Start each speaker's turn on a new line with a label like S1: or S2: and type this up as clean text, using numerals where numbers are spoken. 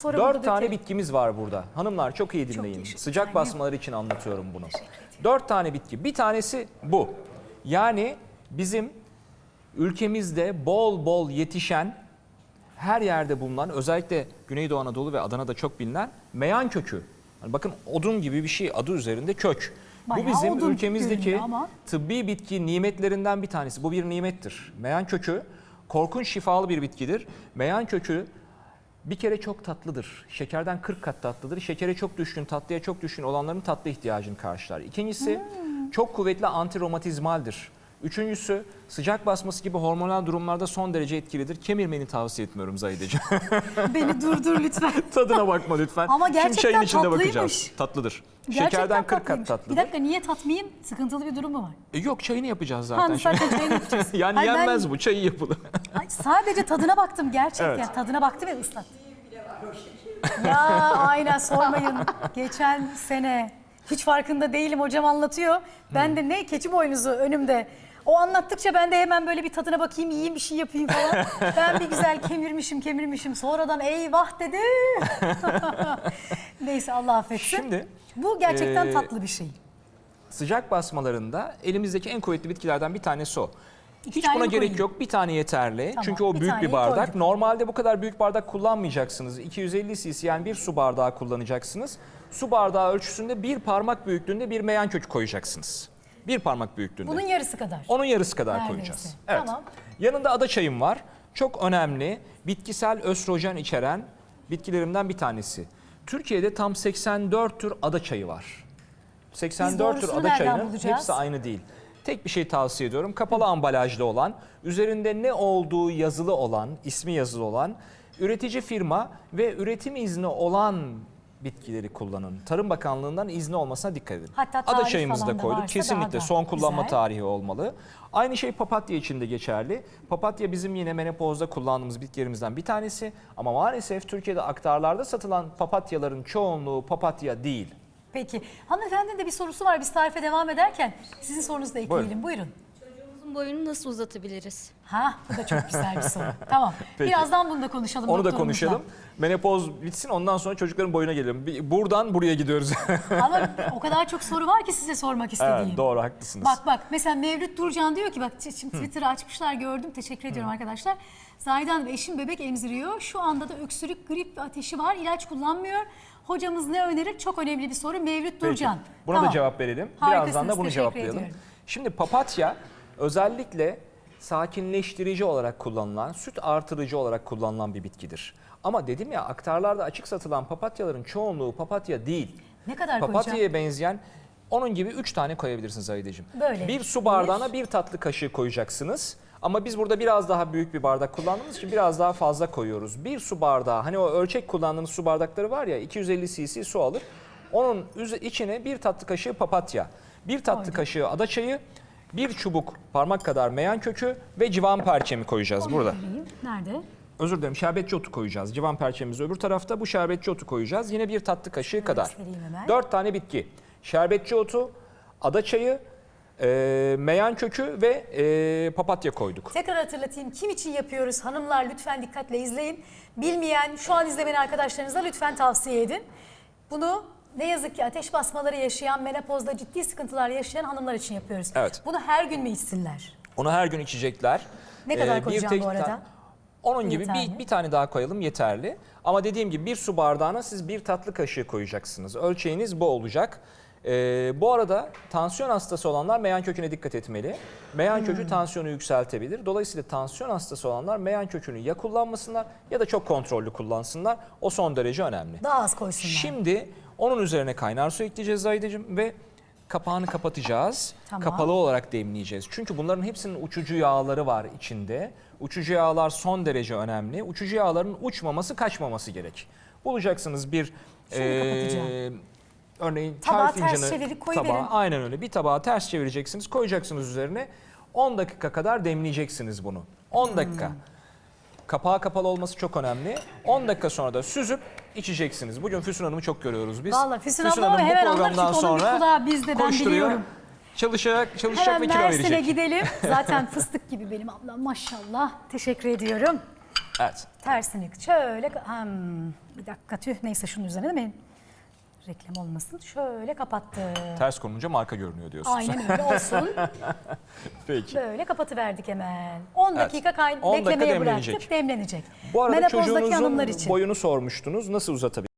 S1: 4 tane bitkimiz var burada. Hanımlar çok iyi dinleyin. Sıcak basmaları için anlatıyorum bunu. 4 tane bitki. Bir tanesi bu. Yani bizim ülkemizde bol bol yetişen, her yerde bulunan, özellikle Güneydoğu Anadolu ve Adana'da çok bilinen meyan kökü. Yani bakın odun gibi bir şey, adı üzerinde kök.
S2: Bayağı
S1: bu bizim ülkemizdeki
S2: ama
S1: tıbbi bitki nimetlerinden bir tanesi. Bu bir nimettir. Meyan kökü korkunç şifalı bir bitkidir. Meyan kökü bir kere çok tatlıdır. Şekerden 40 kat tatlıdır. Şekere çok düşkün, tatlıya çok düşkün olanların tatlı ihtiyacını karşılar. İkincisi çok kuvvetli antiromatizmaldir. Üçüncüsü sıcak basması gibi hormonal durumlarda son derece etkilidir. Kemirmeni tavsiye etmiyorum Zahideciğim.
S2: beni durdur lütfen.
S1: Tadına bakma lütfen.
S2: Ama
S1: Şimdi
S2: gerçekten
S1: çayın içinde
S2: tatlıymış.
S1: bakacağız. Tatlıdır.
S2: Gerçekten
S1: Şekerden 40 kat
S2: tatlıymış.
S1: tatlıdır.
S2: Bir dakika, niye tatmayayım? Sıkıntılı bir durum mu var?
S1: Yok, çayını yapacağız zaten.
S2: Ha, zaten çayını yapacağız.
S1: Yani
S2: Hayır,
S1: yenmez bu, çayı yapılır.
S2: Sadece tadına baktım gerçekten.
S1: Evet.
S2: Tadına baktım ve ıslat. Ya aynen, sormayın. Geçen sene hiç farkında değilim, hocam anlatıyor. Ben de ne keçi boynuzu önümde. O anlattıkça ben de hemen böyle bir tadına bakayım, yiyeyim, bir şey yapayım falan. Ben bir güzel kemirmişim. Sonradan eyvah dedi. Neyse, Allah affetsin.
S1: Şimdi
S2: bu gerçekten tatlı bir şey.
S1: sıcak basmalarında elimizdeki en kuvvetli bitkilerden bir tanesi o. Hiç
S2: tane
S1: buna
S2: mi
S1: gerek
S2: koyayım?
S1: yok. Bir tane yeterli.
S2: Tamam,
S1: Çünkü o
S2: bir
S1: büyük bir
S2: taneyi
S1: bardak.
S2: koyduk.
S1: Normalde bu kadar büyük bardak kullanmayacaksınız. 250 cc yani bir su bardağı kullanacaksınız. Su bardağı ölçüsünde bir parmak büyüklüğünde bir meyan kökü koyacaksınız. Bir parmak büyüklüğünde.
S2: Bunun yarısı kadar.
S1: Onun yarısı kadar
S2: Neredeyse.
S1: koyacağız. Evet.
S2: Tamam.
S1: Yanında ada çayım var. Çok önemli. Bitkisel östrojen içeren bitkilerimden bir tanesi. Türkiye'de tam 84 tür ada çayı var. 84 tür
S2: doğrusunu
S1: ada
S2: nereden
S1: çayının
S2: bulacağız?
S1: hepsi aynı değil. Tek bir şey tavsiye ediyorum. Kapalı ambalajlı olan, üzerinde ne olduğu yazılı olan, ismi yazılı olan, üretici firma ve üretim izni olan bitkileri kullanın. Tarım Bakanlığı'ndan izni olmasına dikkat edin.
S2: Hatta
S1: Ada
S2: tarih
S1: çayımızı da
S2: falan da
S1: koyduk.
S2: varsa
S1: Kesinlikle
S2: daha da
S1: son kullanma
S2: güzel.
S1: tarihi olmalı. Aynı şey papatya için de geçerli. Papatya bizim yine menopozda kullandığımız bitkilerimizden bir tanesi. Ama maalesef Türkiye'de aktarlarda satılan papatyaların çoğunluğu papatya değil.
S2: Peki. Hanımefendinin de bir sorusu var. Biz tarife devam ederken sizin sorunuzu da ekleyelim. Buyurun.
S3: Çocuğumuzun boyunu nasıl uzatabiliriz?
S2: Ha, bu da çok güzel bir soru. Tamam.
S1: Peki.
S2: Birazdan bunu da konuşalım.
S1: Onu da
S2: doktorumuzla.
S1: konuşalım. Menopoz bitsin, ondan sonra çocukların boyuna gelelim. Buradan buraya gidiyoruz.
S2: Ama o kadar çok soru var ki size sormak istediğim.
S1: Evet, doğru, haklısınız.
S2: Bak mesela Mevlüt Durcan diyor ki, bak şimdi Twitter'ı açmışlar, gördüm, teşekkür ediyorum arkadaşlar. Zahide Hanım, eşim bebek emziriyor. Şu anda da öksürük, grip ve ateşi var. İlaç kullanmıyor. Hocamız ne önerir? Çok önemli bir soru. Mevlüt
S1: Peki,
S2: Durcan.
S1: buna
S2: Tamam.
S1: da cevap verelim.
S2: Harikasınız,
S1: Birazdan da bunu
S2: teşekkür
S1: cevaplayalım.
S2: ediyorum.
S1: Şimdi papatya özellikle sakinleştirici olarak kullanılan, süt artırıcı olarak kullanılan bir bitkidir. Ama dedim ya, aktarlarda açık satılan papatyaların çoğunluğu papatya değil.
S2: Ne kadar
S1: Papatya'ya
S2: koyacağım?
S1: benzeyen onun gibi 3 tane koyabilirsiniz Zahideciğim.
S2: Böyle.
S1: Bir su bardağına bir tatlı kaşığı koyacaksınız. Ama biz burada biraz daha büyük bir bardak kullandığımız için biraz daha fazla koyuyoruz. Bir su bardağı, hani o ölçek kullandığımız su bardakları var ya, 250 cc su alır. Onun içine bir tatlı kaşığı papatya, bir tatlı kaşığı ada çayı, bir çubuk parmak kadar meyan kökü ve civan perçemi koyacağız burada.
S2: Vereyim. Nerede?
S1: Özür dilerim, şerbetçi otu koyacağız. Civan perçemimiz öbür tarafta, bu şerbetçi otu koyacağız. Yine bir tatlı kaşığı kadar.
S2: göstereyim hemen.
S1: 4 tane bitki. Şerbetçi otu, ada çayı, meyan kökü ve papatya koyduk.
S2: Tekrar hatırlatayım. Kim için yapıyoruz? Hanımlar lütfen dikkatle izleyin. Bilmeyen, şu an izlemeyen arkadaşlarınıza lütfen tavsiye edin. Bunu ne yazık ki ateş basmaları yaşayan, menopozda ciddi sıkıntılar yaşayan hanımlar için yapıyoruz.
S1: Evet.
S2: Bunu her gün mü içsinler?
S1: Onu her gün içecekler.
S2: Ne kadar koyacağım bu arada?
S1: Onun gibi
S2: Yeterli.
S1: bir tane daha koyalım, yeterli. Ama dediğim gibi bir su bardağına siz bir tatlı kaşığı koyacaksınız. Ölçeğiniz bu olacak. Bu arada tansiyon hastası olanlar meyan köküne dikkat etmeli. Meyan kökü tansiyonu yükseltebilir. Dolayısıyla tansiyon hastası olanlar meyan kökünü ya kullanmasınlar ya da çok kontrollü kullansınlar. O son derece önemli.
S2: Daha az koysunlar.
S1: Şimdi onun üzerine kaynar su ekleyeceğiz Zahideciğim ve kapağını kapatacağız.
S2: Tamam.
S1: Kapalı olarak demleyeceğiz. Çünkü bunların hepsinin uçucu yağları var içinde. Uçucu yağlar son derece önemli. Uçucu yağların uçmaması, kaçmaması gerek. Bulacaksınız bir
S2: kapatacağım.
S1: örneğin
S2: Tabağı
S1: çay
S2: ters
S1: fincanı
S2: çevirip koyuverin.
S1: tabağı, aynen öyle. Bir tabağı ters çevireceksiniz, koyacaksınız üzerine. 10 dakika kadar demleyeceksiniz bunu. 10 dakika. Kapağı kapalı olması çok önemli. 10 dakika sonra da süzüp içeceksiniz. Bugün Füsun Hanım'ı çok görüyoruz biz.
S2: Vallahi Füsun abla
S1: Hanım bu
S2: hemen alır
S1: programdan
S2: çünkü onun bir
S1: sonra
S2: kulağı bizde, ben
S1: koşturuyor,
S2: biliyorum.
S1: çalışacak
S2: Hemen
S1: ve kilo
S2: Mersin'e
S1: verecek.
S2: gidelim. Zaten fıstık gibi benim ablam, maşallah. Teşekkür ediyorum.
S1: Evet.
S2: Tersini şöyle bir dakika tüh neyse şunun üzerine değil mi? Reklam olmasın. Şöyle kapattı.
S1: Ters konunca marka görünüyor diyorsunuz.
S2: Aynen öyle olsun.
S1: Peki.
S2: Böyle kapatıverdik hemen. 10 dakika
S1: 10 dakika
S2: beklemeye
S1: demlenecek.
S2: bıraktık. Demlenecek.
S1: Bu arada
S2: Menopozdaki hanımlar
S1: çocuğunuzun
S2: için.
S1: boyunu sormuştunuz. Nasıl uzatabilirsiniz?